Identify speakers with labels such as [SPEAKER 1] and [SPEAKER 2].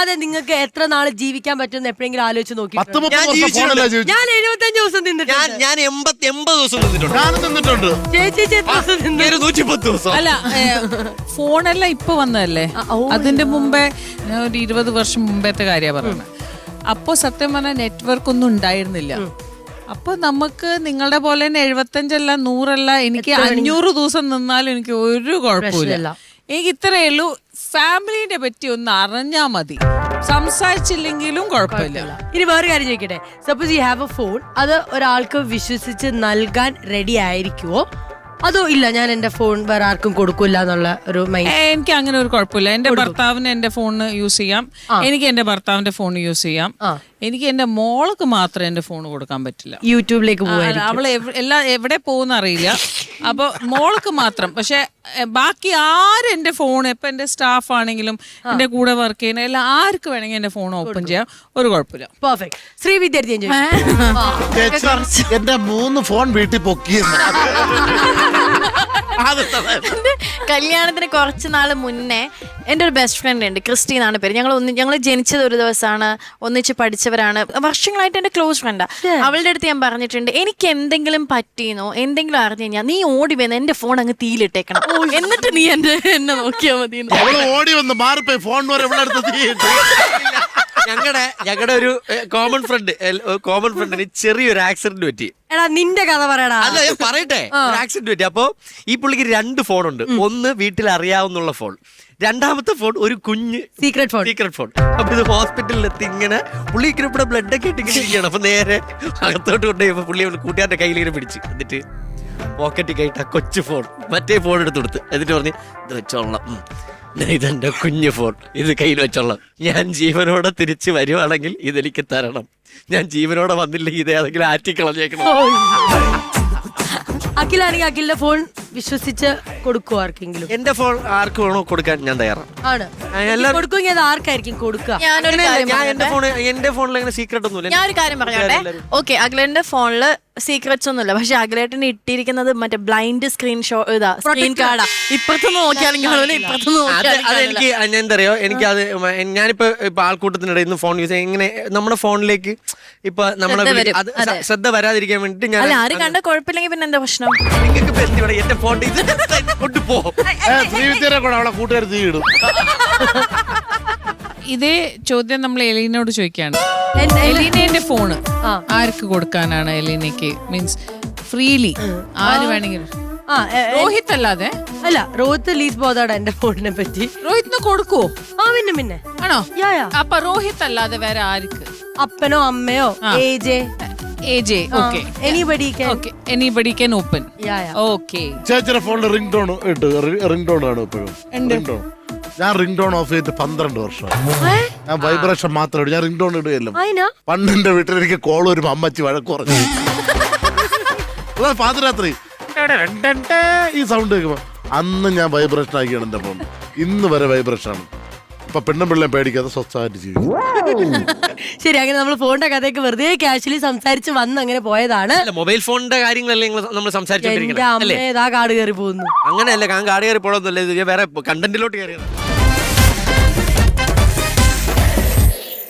[SPEAKER 1] ഇല്ലാതെ നിങ്ങൾക്ക് എത്ര നാള് ജീവിക്കാൻ പറ്റുമെന്ന് എപ്പോഴെങ്കിലും ആലോചിച്ച് നോക്കി? ഞാൻ 75 ദിവസം തിന്നിട്ടുണ്ട്.
[SPEAKER 2] ഞാൻ 80 ദിവസം തിന്നിട്ടുണ്ട്.
[SPEAKER 1] ചേച്ചി എത്ര ദിവസം തിന്നു?
[SPEAKER 2] 110 ദിവസം.
[SPEAKER 3] അല്ല, ഫോണെല്ലാം ഇപ്പൊ വന്നതല്ലേ, അതിന്റെ മുമ്പേ ഒരു 20 വർഷം മുമ്പത്തെ കാര്യ പറയുന്നത്. അപ്പൊ സത്യം പറഞ്ഞാൽ നെറ്റ്വർക്ക് ഒന്നും ഉണ്ടായിരുന്നില്ല. അപ്പൊ നമുക്ക് നിങ്ങളുടെ പോലെ തന്നെ 75 100 എനിക്ക് 500 ദിവസം നിന്നാലും എനിക്ക് ഒരു കുഴപ്പമില്ല. എനിക്ക് ഇത്രയേ ഉള്ളൂ, ഫാമിലിനെ പറ്റി ഒന്ന് അറിഞ്ഞാ മതി, സംസാരിച്ചില്ലെങ്കിലും കുഴപ്പമില്ല.
[SPEAKER 1] ഇനി വേറെ കാര്യം ചോദിക്കട്ടെ, suppose you have a phone, അത് ഒരാൾക്ക് വിശ്വസിച്ച് നൽകാൻ റെഡി ആയിരിക്കുവോ അതോ ഇല്ല ഞാൻ എന്റെ ഫോൺ വേറെ ആർക്കും കൊടുക്കില്ല എന്നുള്ള ഒരു മൈൻഡ്?
[SPEAKER 3] എനിക്ക് അങ്ങനെ ഒരു കുഴപ്പമില്ല. എന്റെ ഭർത്താവിന് എന്റെ ഫോൺ യൂസ് ചെയ്യാം, എനിക്ക് എന്റെ ഭർത്താവിന്റെ ഫോൺ യൂസ് ചെയ്യാം. എനിക്ക് എന്റെ മോൾക്ക് മാത്രം എന്റെ ഫോൺ കൊടുക്കാൻ പറ്റില്ല.
[SPEAKER 1] യൂട്യൂബിലേക്ക് പോകാൻ
[SPEAKER 3] അവള് എവിടെ പോകുന്ന അറിയില്ല. അപ്പൊ മോൾക്ക് മാത്രം. പക്ഷെ ബാക്കി ആരും എന്റെ ഫോൺ, ഇപ്പൊ എന്റെ സ്റ്റാഫ് ആണെങ്കിലും എന്റെ കൂടെ വർക്ക് ചെയ്യുന്ന എല്ലാം ആർക്ക് വേണമെങ്കിൽ എന്റെ ഫോൺ ഓപ്പൺ ചെയ്യാം, ഒരു കുഴപ്പമില്ല.
[SPEAKER 1] പെർഫെക്റ്റ്. ശ്രീ വിദ്യാർത്ഥി
[SPEAKER 4] എന്റെ 3 ഫോൺ വീട്ടിൽ പൊക്കിയെന്ന്.
[SPEAKER 5] കല്യാണത്തിന് കുറച്ച് നാൾ മുന്നേ എൻ്റെ ഒരു ബെസ്റ്റ് ഫ്രണ്ട് ഉണ്ട്, ക്രിസ്റ്റി എന്നാണ് പേര്. ഞങ്ങൾ ജനിച്ചത് ഒരു ദിവസമാണ്, ഒന്നിച്ച് പഠിച്ചവരാണ്, വർഷങ്ങളായിട്ട് എൻ്റെ ക്ലോസ് ഫ്രണ്ടാണ്. അവളുടെ അടുത്ത് ഞാൻ പറഞ്ഞിട്ടുണ്ട്, എനിക്ക് എന്തെങ്കിലും പറ്റിയെന്നോ എന്തെങ്കിലും അറിഞ്ഞു കഴിഞ്ഞാൽ നീ ഓടി വന്ന് എന്റെ ഫോൺ അങ്ങ് തീയിലിട്ടേക്കണം, എന്നിട്ട് നീ എന്നെ നോക്കിയാൽ മതി.
[SPEAKER 4] ഓടി വന്ന് മാറിപ്പോയി ഫോൺ
[SPEAKER 2] ഞങ്ങളുടെ ഒരു കോമൺ ഫ്രണ്ടിന് ചെറിയൊരു ആക്സിഡന്റ് പറ്റി.
[SPEAKER 1] എടാ നിന്റെ കഥ പറയടാ.
[SPEAKER 2] അല്ല ഞാൻ പറയട്ടെ, ഒരു ആക്സിഡന്റ് പറ്റി. അപ്പൊ ഈ പുള്ളിക്ക് 2 ഫോണുണ്ട്. ഒന്ന് വീട്ടിൽ അറിയാവുന്നുള്ള ഫോൺ, രണ്ടാമത്തെ ഫോൺ ഒരു കുഞ്ഞ് സീക്രട്ട് ഫോൺ. അപ്പൊ ഇത് ഹോസ്പിറ്റലിലെത്തി ഇങ്ങനെ പുള്ളിക്ക് ഇവിടെ ബ്ലഡ് ഒക്കെ ഇട്ട് ഇങ്ങനെ ഇരിക്കുകയാണ്. അപ്പൊ നേരെ അകത്തോട്ട് കൊണ്ടുപോയി പുള്ളി കൂട്ടുകാരുടെ കയ്യിലിങ്ങനെ പിടിച്ച്, എന്നിട്ട് പോക്കറ്റിൽ കയറ്റ കൊച്ചു ഫോൺ മറ്റേ ഫോൺ എടുത്ത് കൊടുത്ത്, എന്നിട്ട് പറഞ്ഞ് ഇത് വെച്ചോളാം, ഇതെന്റെ കുഞ്ഞു ഫോൺ, ഇത് കയ്യിൽ വെച്ചോളാം, ഞാൻ ജീവനോടെ തിരിച്ചു വരുവാണെങ്കിൽ ഇതെനിക്ക് തരണം, ഞാൻ ജീവനോടെ വന്നില്ലെങ്കിൽ ഇത് ഏതെങ്കിലും ആറ്റിക്കളഞ്ഞേക്കണം.
[SPEAKER 1] അഖിലാണെങ്കിൽ അഖിലിന്റെ ഫോൺ വിശ്വസിച്ച് കൊടുക്കുവോ ആർക്കെങ്കിലും?
[SPEAKER 2] എന്റെ ഫോൺ ആർക്ക് വേണോ കൊടുക്കാൻ ഞാൻ തയ്യാറാണ്.
[SPEAKER 1] കൊടുക്കുമെങ്കിൽ അത് ആർക്കായിരിക്കും കൊടുക്കുക?
[SPEAKER 2] എന്റെ ഫോണിൽ അങ്ങനെ സീക്രട്ട് ഒന്നുമില്ല.
[SPEAKER 5] ഞാനൊരു കാര്യം പറഞ്ഞോട്ടെ. ഓക്കെ, അഖിലേട്ടന്റെ ഫോണില് സീക്രറ്റ്സ് ഒന്നുമില്ല, പക്ഷെ അഖിലേട്ടന് ഇട്ടിരിക്കുന്നത് മറ്റേ ബ്ലൈൻഡ് സ്ക്രീൻ കാർഡാ. ഇപ്പുറത്തുനിന്ന് നോക്കിയാണെങ്കിൽ
[SPEAKER 2] അതെനിക്ക് എന്തറിയോ, എനിക്കത് ഞാനിപ്പോ ആൾക്കൂട്ടത്തിനിടയിൽ നിന്ന് ഫോൺ യൂസ് ചെയ്യാൻ ഇങ്ങനെ നമ്മുടെ ഫോണിലേക്ക് ഇപ്പൊ നമ്മളെ ശ്രദ്ധ വരാതിരിക്കാൻ വേണ്ടിട്ട് ഞാൻ
[SPEAKER 5] ആരും കണ്ട കുഴപ്പമില്ലെങ്കിൽ പിന്നെ എന്താ പ്രശ്നം?
[SPEAKER 2] നിങ്ങൾക്ക് എന്റെ ഫോൺ കൊണ്ടുപോകും.
[SPEAKER 4] കൂട്ടുകാർ തീയിടും.
[SPEAKER 3] ഇതേ ചോദ്യം നമ്മൾ എലീനോട് ചോദിക്കാണ്. എലീനയുടെ ഫോണ് ആർക്ക് കൊടുക്കാനാണ്? എലീനക്ക് മീൻസ് ഫ്രീലി ആര് വേണമെങ്കിലും. രോഹിത് അല്ലാതെ
[SPEAKER 1] അല്ല, രോഹിത് ലീസ് ബോധാടാ എന്റെ ഫോണിനെ പറ്റി.
[SPEAKER 3] രോഹിത്തിന് കൊടുക്കുവോ?
[SPEAKER 1] പിന്നെ
[SPEAKER 3] ആണോ? അപ്പൊ രോഹിത് അല്ലാതെ വേറെ ആർക്ക്?
[SPEAKER 1] അപ്പനോ അമ്മയോ
[SPEAKER 3] AJ. Okay. Anybody can open. Okay.
[SPEAKER 4] ചേച്ചിയുടെ ഫോണിൽ റിംഗ് ടോൺ ഇട്ട് റിംഗ് ടോൺ ആണ് ഇപ്പോഴും. ഞാൻ റിംഗ് ടോൺ ഓഫ് ചെയ്തിട്ട് 12 വർഷം. ഞാൻ വൈബ്രേഷൻ മാത്രമേ ഇടൂ, ഞാൻ റിംഗ് ടോൺ ഇടുകയല്ലോ. പണ്ടെന്റെ വീട്ടിൽ എനിക്ക് കോൾ വരുമ്പോ അമ്മച്ചി വഴക്ക് പറഞ്ഞു. പാതിരാത്രി ഈ സൗണ്ട് കേൾക്കുമ്പോ അന്ന് ഞാൻ വൈബ്രേഷൻ ആക്കിയാണ് എന്റെ ഫോൺ. ഇന്ന് വരെ വൈബ്രേഷൻ ആണ്. ഇപ്പൊ പെണ്ണും പിള്ളേം പേടിക്കാതെ സ്വസ്ഥമായിട്ട് ജീവിക്കും.
[SPEAKER 1] ശരി, അങ്ങനെ നമ്മൾ ഫോണിന്റെ കഥയൊക്കെ വെറുതെ കാഷ്വലി സംസാരിച്ച് വന്ന് അങ്ങനെ പോയതാണ്.
[SPEAKER 2] മൊബൈൽ ഫോണിന്റെ കാര്യങ്ങളല്ലേ നമ്മൾ സംസാരിച്ചോണ്ടിരിക്കുന്നത്.
[SPEAKER 1] കാട് കയറി പോകുന്നു.
[SPEAKER 2] അങ്ങനെയല്ല, കാട് കയറി പോകണമെന്നല്ലേ, വേറെ കണ്ടന്റിലോട്ട് കയറിയത്.